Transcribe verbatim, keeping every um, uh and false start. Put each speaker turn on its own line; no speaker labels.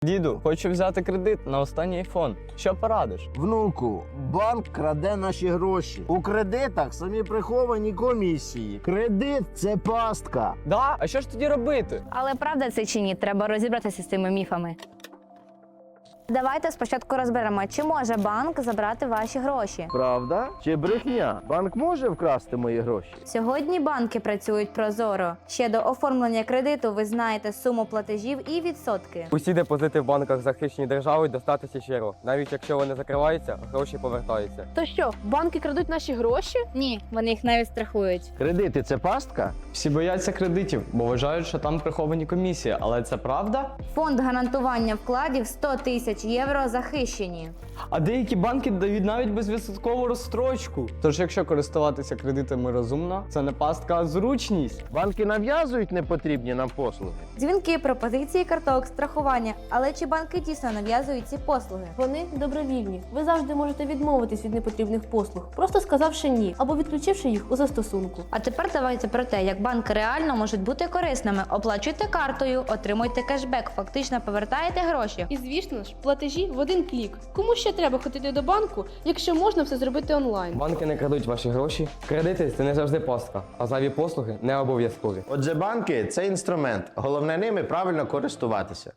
Діду, хочу взяти кредит на останній айфон. Що порадиш?
Внуку, банк краде наші гроші. У кредитах самі приховані комісії. Кредит – це пастка.
Да? А що ж тоді робити?
Але правда це чи ні? Треба розібратися з цими міфами. Давайте спочатку розберемо, чи може банк забрати ваші гроші.
Правда? Чи брехня? Банк може вкрасти мої гроші?
Сьогодні банки працюють прозоро. Ще до оформлення кредиту ви знаєте суму платежів і відсотки.
Усі депозити в банках захищені державою достатися щиро. Навіть якщо вони закриваються, гроші повертаються.
То що, банки крадуть наші гроші?
Ні, вони їх навіть страхують.
Кредити – це пастка?
Всі бояться кредитів, бо вважають, що там приховані комісії. Але це правда?
Фонд гарантування вкладів сто тисяч євро захищені.
А деякі банки дають навіть безвідсоткову розстрочку. Тож, якщо користуватися кредитами розумно, це не пастка, а зручність.
Банки нав'язують непотрібні нам послуги.
Дзвінки, пропозиції карток, страхування. Але чи банки дійсно нав'язують ці послуги?
Вони добровільні. Ви завжди можете відмовитись від непотрібних послуг, просто сказавши ні або відключивши їх у застосунку.
А тепер давайте про те, як банки реально можуть бути корисними. Оплачуйте картою, отримуйте кешбек, фактично повертаєте гроші.
І звісно ж, платежі в один клік. Кому ще треба ходити до банку, якщо можна все зробити онлайн?
Банки не крадуть ваші гроші. Кредити це не завжди пастка, а зайві послуги не обов'язкові.
Отже, банки – це інструмент. Головне ними правильно користуватися.